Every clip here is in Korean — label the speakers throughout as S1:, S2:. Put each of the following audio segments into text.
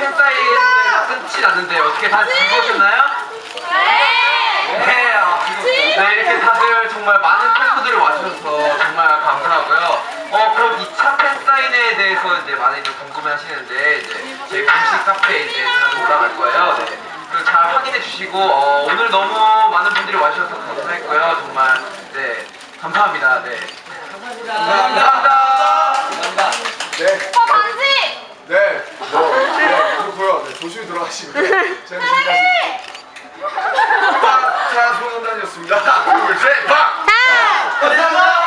S1: 팬사인회가 끝이 났는데 어떻게 다 즐거우셨나요? 네, 네, 이렇게 다들 정말 많은 팬분들이 와주셔서 정말 감사하고요. 그럼 2차 팬사인회에 대해서 이제 많이들 궁금해 하시는데, 이제 저희 공식 카페에 이제 자주 올라갈 거예요. 네. 그 잘 확인해 주시고, 오늘 너무 많은 분들이 와주셔서 감사했고요. 정말, 네, 감사합니다. 네. 감사합니다.
S2: 네.
S3: 반지!
S2: 네. 그렇고요. 네, 조심히 돌아가시고요. 저는 지금까지 빡차 소년단이었습니다. 둘, 셋, 빡! 감사합니다.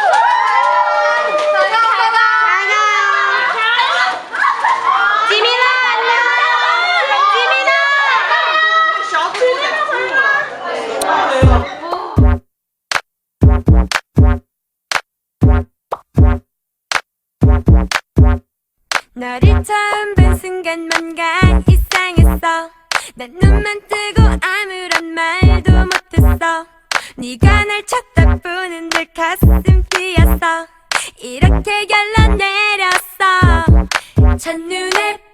S4: 너를 처음 본 순간 뭔가 이상했어. 난 눈만 뜨고 아무런 말도 못했어. 네가 날 쳐다보는 내 가슴 뛰었어. 이렇게 결론 내렸어. 첫눈에